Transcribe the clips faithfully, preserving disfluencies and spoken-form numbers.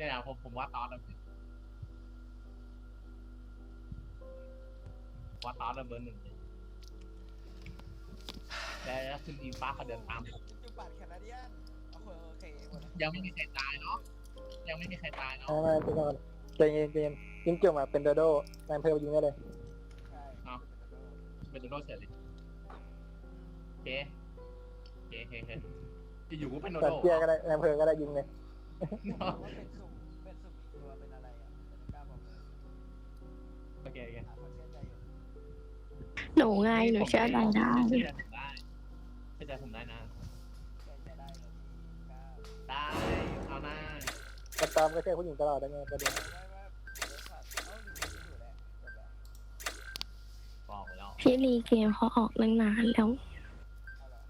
เนี่ยนะผมผมว่าตอนนั้นว่าตอนนั้นเบอร์หนึ่งเลยแล้วคุณอิงฟ้าเขาเดินตามผมจุดบัตรแคนาเดียนโอเคโอเคหมดแล้วยังไม่มีใครตายเนาะยังไม่มีใครตายเนาะไม่ไม่ไปก่อนใจเย็นใจเย็นยิงจุ่มอ่ะเป็นโดโด้นายอำเภอยิงได้เลยใช่เนาะเป็นโดโดเสร็จเลยโอเคโอเคโอเคโอเคจะอยู่ก็เป็นโดสัโดตว์เตี้ยก็ได้นายอำเภอก็ได้ยิงเลยว่าเป็นสุ่มเป็นสุ่มอีกตัวเป็นอะไรอ่ะแต่ไม่กล้าบอกเลยโอเคโอเคหาคนเชื่อใจอยู่หนูไงหนูเชื่อใจได้เชื่อใจผมได้เชื่อใจผมได้นะใจจะได้เลยพี่กล้าได้เอาหน้าแต่ตามก็ใช่ผู้หญิงตลอดได้ไงประเด็นไม่ไม่ไม่เดี๋ยวสัตว์เอ้าหรืออยู่แหละจบแล้วบอกแล้วพี่รีเกมเขาออกตั้งนานแล้วเอาเหรอ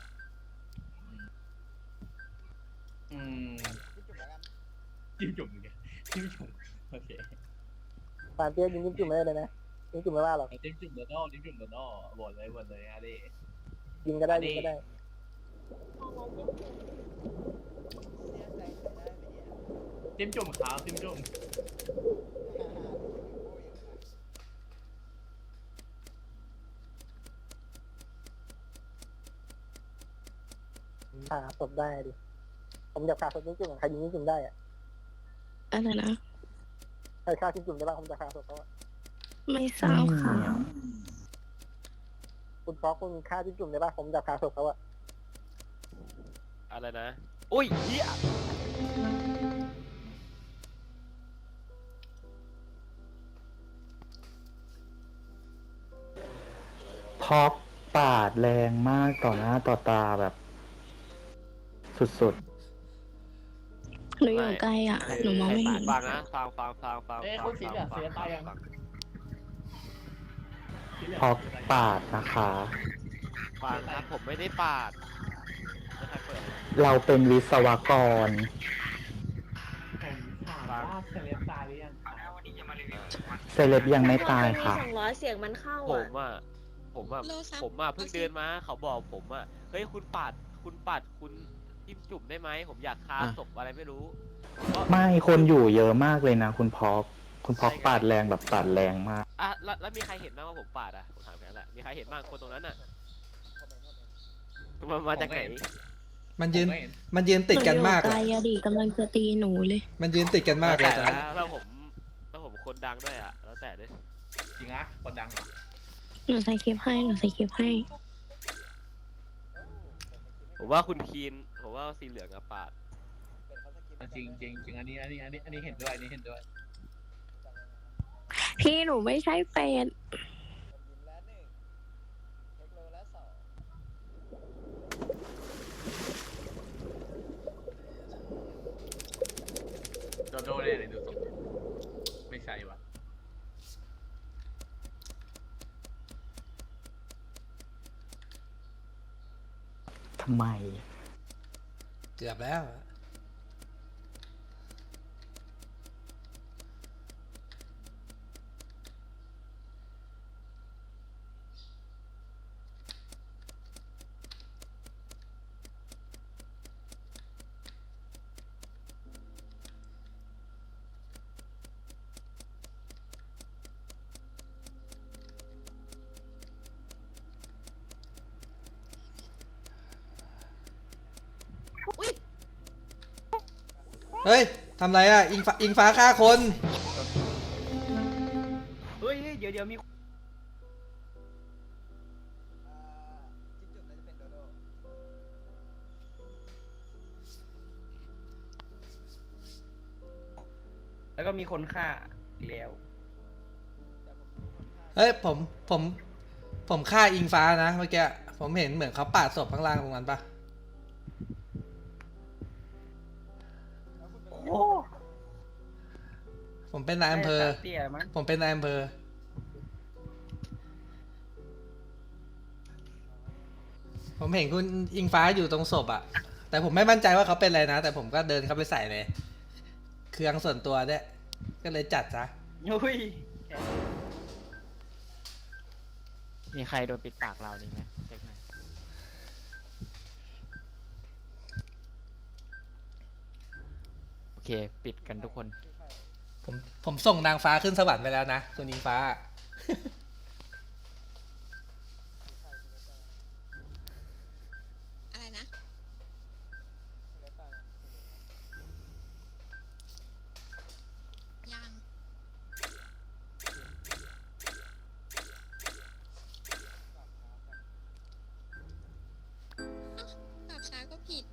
อืมพี่จุ่มแล้วกันจิ้มจุ่มอีกจิ้มจุ่มโอเคปานเตี้ยยิงยิงจุ่มไม่ได้เลยนะยิงจุ่มไม่ว่าหรอกจิ้มจุ่มโดโดจิ้มจุ่มโดโดบดเลยบดเลยอะดิยิงก็ได้ยิงก็ได้เสียใจใส่ได้ไหมเนี่ยจิ้มจุ่มขาวจิ้มจุ่มฮ่าฮ่าดูโอ้ยอยู่นะขาศพได้ดิผมอยากขาศพยิงจุ่มใครยิงยิงจุ่มได้อ่ะอะไรนะใครฆ่ายิงจุ่มได้บ้างผมจะขาศพเขาอะไม่ทราบค่ะคุณฟอกคุณฆ่ายิงจุ่มได้บ้างผมจะขาศพเขาอะอะไรนะ อุ้ยเฮียท็อปปาดแรงมากต่อหน้าต่อตาแบบ สุดหนูอยู่ไกลอ่ะ หนูมองไม่เห็นฟังนะฟังฟังฟังฟังเอ้ยฟัคุณสีเหลืองฟัเสียตายยังฟังๆท็อปปาดนะคะฟังนะผมไม่ได้ปาดไม่ใครเปิดเราเป็นวิศวกรผมถามว่าเซเลบตายหรือยังเซเลบยังไม่ตายค่ะสองร้อยเสียงมันเข้าผอ่ะมอ่ะผมอ่ะผมอ่ะเพิ่งเดินมาเขาบอกผมอ่ะเฮ้ยคุณปาดคุณปาดคุณจิ้มจุ่มได้ไหมผมอยากคาศพอะไรไม่รู้ไม่คนอยู่เยอะมากเลยนะคุณพอกคุณพอกปาดแรงแบบปาดแรงมากอ่ะแล้วแล้วมีใครเห็นบ้างว่าผมปาดอ่ะผมถามแค่นั้นแหละมีใครเห็นบ้างคนตรงนั้นอ่ะมันมาจากไหนมันยืนผมไม่เห็นมันยืนติดกันมากหนูอยู่ไกลอะอะดิกำลังจะตีหนูเลยมันยืนติดกันมากเลยตอนแล้นี้วแล้วผมแล้วผมคนดังด้วยอ่ะแล้วแต่ด้วยจริงนะคนดังเหรอหนูใส่คลิปให้ หนูใส่คลิปให้ผมว่าคุณคีนผมว่าสีเหลืองกับปาดเป็นเขาสกิปจริงจริงจริงอันนี้อันนี้อันนี้อันนี้เห็นด้วยอันนี้เห็นด้วยพี่หนูไม่ใช่เป็ดผมยิ้มแล้วหนึ่งเทคโลแล้วสองโดโดได้เลยดูตรงไม่ใช่วะทำไมเกือบแล้วอะเฮ้ย ทำไรอ่ะ อิงฟ้าอิงฟ้าฆ่าคนเฮ้ยเดี๋ยวเดี๋ยวมีอ่าจิ้มจุ่มน่าจะเป็นโดโดแล้วก็มีคนฆ่าอีกแล้วแต่ผมดูคนฆ่าเฮ้ย ผม ผม ผมฆ่าอิงฟ้านะเมื่อกี้ ผมเห็นเหมือนเขาปาดศพข้างล่างตรงนั้นปะแล้วคุณเป็นโอ้ผมเป็นนายอำเภอเตี้ยมั้งผมเป็นนายอำเภอ ผมเห็นคุณอิงฟ้าอยู่ตรงศพอะแต่ผมไม่มั่นใจว่าเขาเป็นอะไรนะ แต่ผมก็เดินเข้าไปใส่เลย เครื่องส่วนตัวเนี่ยก็เลยจัดซะอุ้ยมีใครโดนปิดปากเรานี่ไหมเช็คหน่อยโอเคเค ปิดกันทุกคนผมผมส่งนางฟ้าขึ้นสวรรค์ไปแล้วนะคุณอิงฟ้าอะไรนะ ยังตอบช้าก็ผิด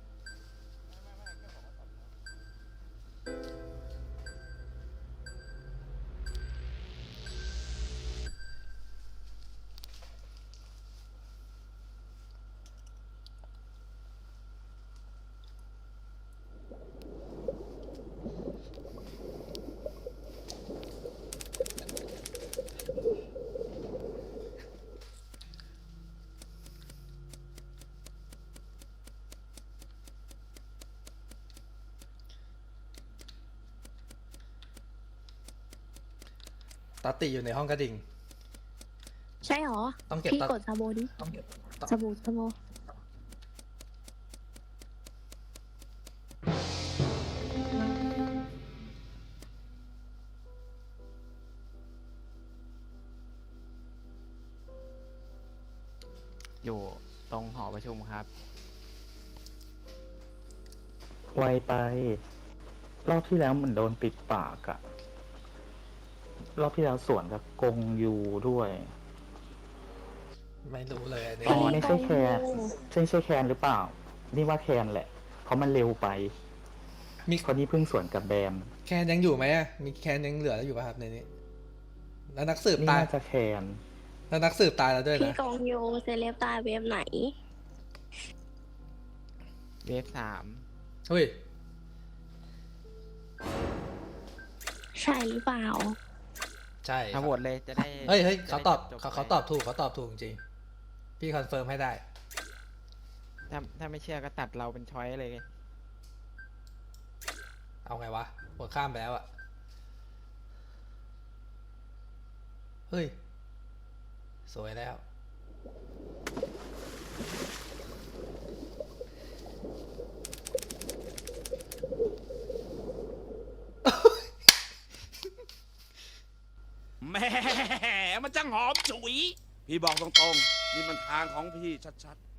ตอตติอยู่ในห้องกระดิ่งใช่หรอต้องเก็บพี่ตอกดซาโบดิต้องเก็บตอซาโบซาโบอยู่ตรงหอประชุมครับไวไป รอบที่แล้วมันโดนปิดปากอะรอบที่แล้วสวนกับกงยูด้วยไม่รู้เลยอันนี้อันนี้ไม่ใช่แคนใช่ใช่แคนหรือเปล่า นี่ว่าแคนแหละ เพราะมันเร็วไปมีคนนี้เพิ่งสวนกับแบมแคนยังอยู่ไหมอะมีแคนยังเหลืออยู่ป่ะครับในนี้ แล้วนักสืบนี่ตายน่าจะแคนแล้วนักสืบตายแล้วด้วยพี่นะกองโยเซเลบตายเว็บไหนเวฟสามเฮ้ยใช่หรือเปล่าใช่คถ้ารับโหวตเลยจะได้เฮ้ยเฮ้ยจะเขาได้ตอบจๆเขาไปเขาตอบถูกเขาตอบถูกจริงๆพี่คอนเฟิร์มให้ได้ถ้าถ้าไม่เชื่อก็ตัดเราเป็นช้อยเลยไงเอาไงวะหัวข้ามไปแล้วอะเฮ้ย สวยแล้วแหม่มันจังหอมฉุย พี่บอกตรงๆ นี่มันทางของพี่ชัดๆ